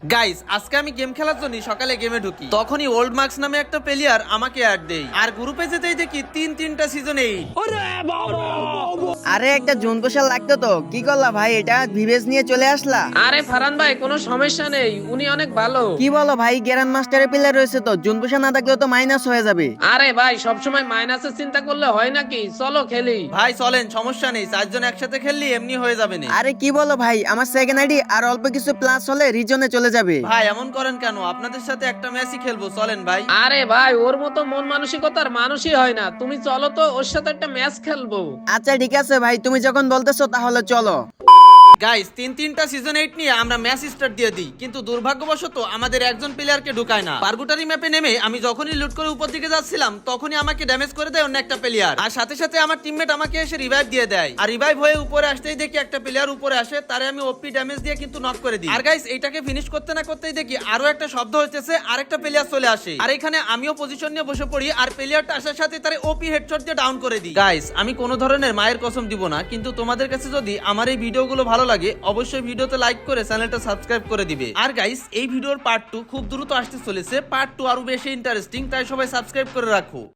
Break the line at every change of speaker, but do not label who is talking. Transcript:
Guys আজকে আমি game খেলার জন্য সকালে গেমে ঢুকি, তখনই ওল্ড মার্কস নামে একটা প্লেয়ার আমাকে অ্যাড দেয় আর গ্রুপে যেতেই দেখি তিনটা সিজন 8।
আরে একটা জুন পোশাক লাগতো তো, কি করলা ভাই? এটা ভিভেজ নিয়ে চলে আসলা?
আরে ফারহান ভাই কোনো সমস্যা নেই, উনি অনেক ভালো।
কি বলো ভাই, গ্র্যান্ড মাস্টারের প্লেয়ার রয়েছে তো, জুন পোশাক না থাকলেও তো মাইনাস হয়ে যাবে।
আরে ভাই সবসময় মাইনাসের চিন্তা করলে হয় নাকি, চলো খেলি।
ভাই চলেন, সমস্যা নেই, 4 জন একসাথে খেললি এমনি হয়ে যাবে না।
আরে কি বলো ভাই, আমার সেকেন্ড আইডি আর অল্প কিছু প্লাস হলে রিজনে চলে যাবে।
ভাই এমন করেন কেন? আপনাদের সাথে একটা ম্যাচই খেলবো, চলেন ভাই।
আরে ভাই ওর মতো মন মানসিকতার মানুষই হয় না, তুমি চলো তো ওর সাথে একটা ম্যাচ খেলবো।
আচ্ছা ঠিক আছে ভাই, তুমি যখন বলতেছো তাহলে চলো।
গাইস তিনটা সিজন 8 নিয়ে আমরা ম্যাচ স্টার্ট দিয়ে দিই, কিন্তু দুর্ভাগ্যবশত আমাদের একজন প্লেয়ারকে ঢুকায় না। পার্গুটারি ম্যাপে নেমে আমি যখনই লুট করে উপর দিকে যাচ্ছিলাম তখনই আমাকে ড্যামেজ করে দেয় অন্য একটা প্লেয়ার, আর সাথে সাথে আমার টিমমেট আমাকে এসে রিভাইভ দিয়ে দেয়। আর রিভাইভ হয়ে উপরে আসতেই দেখি একটা প্লেয়ার উপরে আসে, তারে আমি ওপি ড্যামেজ দিয়ে কিন্তু নক করে দিই। আর গাইস এইটাকে ফিনিশ করতে না করতেই দেখি আরো একটা শব্দ হইতেছে, আরেকটা প্লেয়ার চলে আসে, আর এখানে আমিও পজিশন নিয়ে বসে পড়ি আর প্লেয়ারটা আসার সাথে তারে ওপি হেডশট দিয়ে ডাউন করে দিই। গাইস আমি কোনো ধরনের মায়ের কসম দিব না, কিন্তু তোমাদের কাছে যদি আমার এই ভিডিওগুলো ভালো লাগে অবশ্যই ভিডিওতে লাইক করে চ্যানেলটা সাবস্ক্রাইব করে দিবে। আর গাইস এই ভিডিওর পার্ট 2 খুব দ্রুত আসতে চলেছে, পার্ট 2 আরো বেশি ইন্টারেস্টিং, তাই সবাই সাবস্ক্রাইব করে রাখো।